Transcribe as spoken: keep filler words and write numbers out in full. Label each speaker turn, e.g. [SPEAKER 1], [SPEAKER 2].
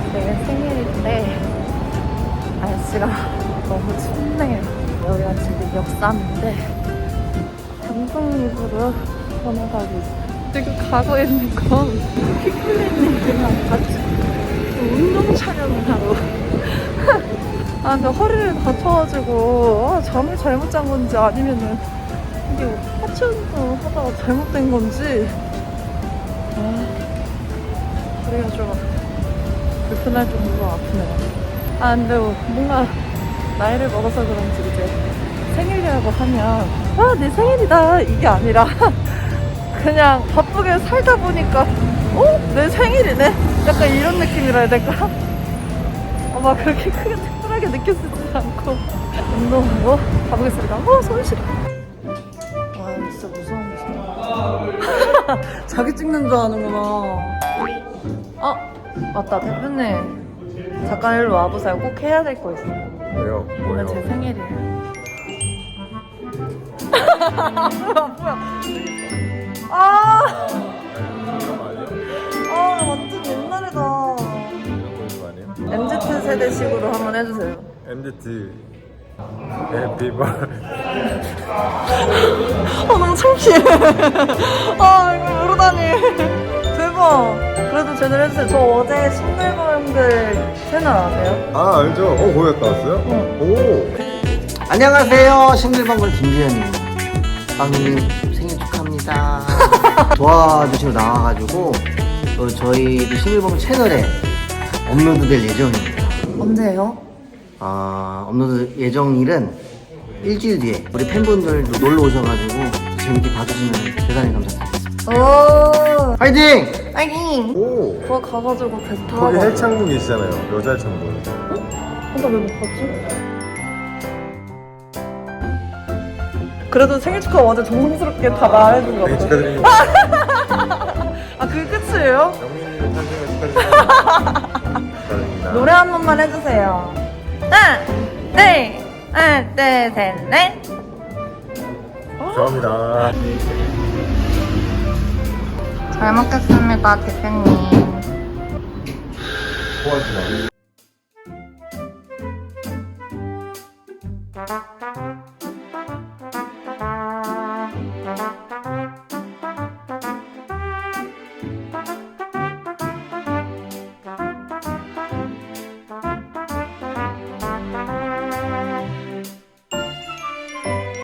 [SPEAKER 1] 내일 생일인데 날씨가 너무 춥네요. 여기가 지금 역삼인데 방송입으로 번호가고 있어요. 지금 가고 있는 건 피클리님이랑 같이 운동 촬영을 하러 아 근데 허리를 다쳐가지고 아, 잠을 잘못 잔 건지 아니면은 이게 하체 운동 하다가 잘못된 건지 아 허리가 좀 불편할 정도로 아프네요. 아 근데 뭔가 나이를 먹어서 그런지 이제 생일이라고 하면 아 내 생일이다 이게 아니라 그냥 바쁘게 살다 보니까 어? 내 생일이네? 약간 이런 느낌이라 해야 될까? 어, 막 그렇게 크게 특별하게 느껴지지 않고 운동하러 가보겠습니다. 어 손 시려. 와 진짜 무서운 무서워. 자기 찍는 줄 아는구나. 어? 맞다 대표님 잠깐 일로 와보세요. 꼭 해야 될 거 있어요.
[SPEAKER 2] 왜요?
[SPEAKER 1] 오늘
[SPEAKER 2] 뭐요?
[SPEAKER 1] 제 생일이에요. 뭐야? 아, 아 완전 옛날이다. 엠지 세대식으로 한번 해주세요.
[SPEAKER 2] 엠지 해피 버
[SPEAKER 1] 아 너무 창피해. 아 이거 모르다니. 대박. 그래도 제대로 해주세요. 저 어제 싱글벙글 채널 아세요?
[SPEAKER 2] 아 알죠? 어 거기 갔다 왔어요?
[SPEAKER 1] 응.
[SPEAKER 2] 오
[SPEAKER 3] 안녕하세요. 싱글벙글 김지현입니다. 빵님 생일 축하합니다. 도와주시러 나와가지고 또 저희 싱글벙글 채널에 업로드될 예정입니다.
[SPEAKER 1] 언제요?
[SPEAKER 3] 아, 업로드 예정일은 일주일 뒤에 우리 팬분들도 놀러 오셔가지고 재밌게 봐주시면 대단히 감사드리겠습니다.
[SPEAKER 1] 오.
[SPEAKER 3] 화이팅!
[SPEAKER 1] 파이팅.
[SPEAKER 2] 오
[SPEAKER 1] 거 가가지고 배 타고.
[SPEAKER 2] 거기 헬창분 계시잖아요. 여자 헬창분.
[SPEAKER 1] 근데 왜 못 봤지? 그래도 생일 축하 완전 정성스럽게 다 말해준 것
[SPEAKER 2] 생일
[SPEAKER 1] 같아.
[SPEAKER 2] 축하드립니다.
[SPEAKER 1] 아 그게 끝이에요?
[SPEAKER 2] 영민님 탄생을 축하드립니다. 축하드립니다.
[SPEAKER 1] 노래 한 번만 해주세요. 하나, 둘, 하나, 둘, 셋, 넷.
[SPEAKER 2] 감사합니다.
[SPEAKER 1] 잘 먹겠습니다, 대표님.
[SPEAKER 2] 고맙습니다.